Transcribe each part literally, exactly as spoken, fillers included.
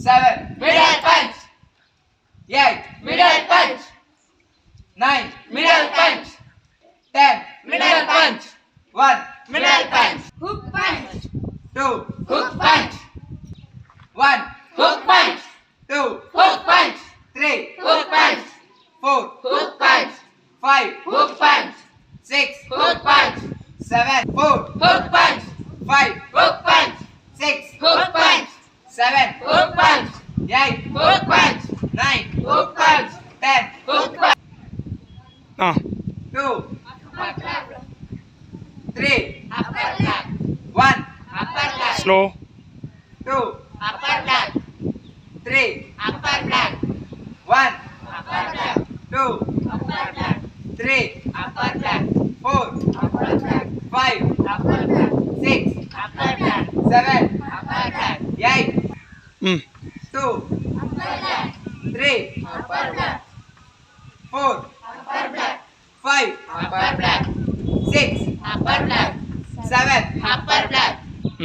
seven, middle punch, eight, middle punch, nine, middle punch, ten, middle punch, one, middle punch, hook punch, two, hook punch, one, hook punch, two, hook punch, three, hook punch, four, hook punch, five, hook punch, six, hook punch, seven, four, hook punch, five, hook punch, six, hook punch, seven, hook punch, eight, hook punch, nine, hook punch, ten, hook punch, ಹಾಂ two, upper clap, three, upper clap, one, upper clap, slow two, upper clap, three, upper clap, one, upper clap, two, upper clap, three, upper clap, four, upper clap, five, upper clap, six, upper clap, seven, upper clap, eight, ಹ್ಞೂ two, upper clap, three, upper clap, four, upper clap, five, upper clap, six, upper clap, seven, upper clap, ಹ್ಞೂ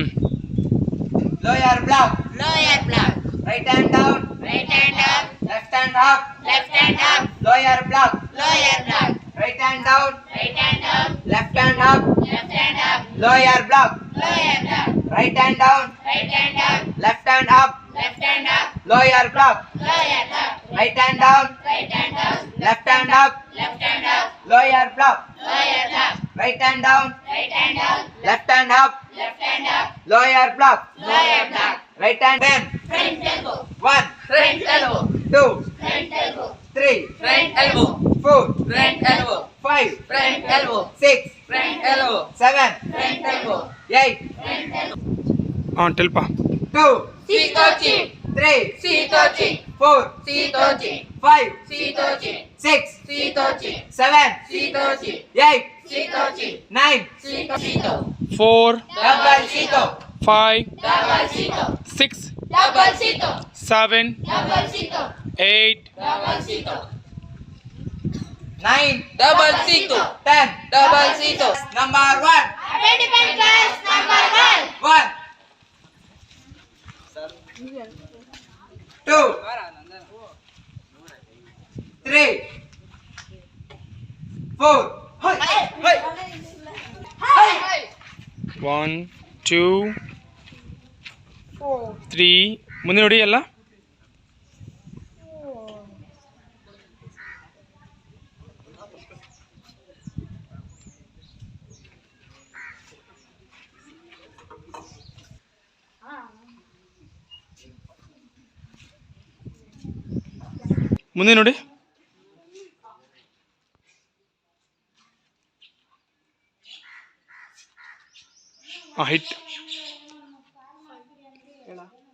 lower block, lower block, right hand down, right hand up, left hand up, left hand up, lower block, lower block, right hand down, right hand up, left hand up, left hand up, lower block, lower block, right hand down, right hand up, left hand up, left hand up, lower block, lower block, right hand down, right hand up, left hand up, left hand up, lower block, lower block, right hand down, right hand up, left hand up, left hand up, lower block, lower block, right hand ten, front elbow, one, front elbow, two, front elbow, three, front elbow, four, front elbow, five, front elbow, six, front elbow, seven, front elbow, eight, front elbow. ಹಾಂ ಟೆಲ್ಪ two, Sitochi, three, Sitochi, four, Sitochi, five, Sitochi, six, Sitochi, seven, Sitochi, eight, Sitochi, nine, Sito, four double Sito, five double Sito, six double Sito, seven double Sito, eight double Sito, nine, double Sito, ten, double Sito. number one, Identify class number one. one, two, three, four, hey, hey, one two three ಮುಂದೆ ನೋಡಿ ಎಲ್ಲ ಮುಂದೆ ನೋಡಿ ಹಾಂ hit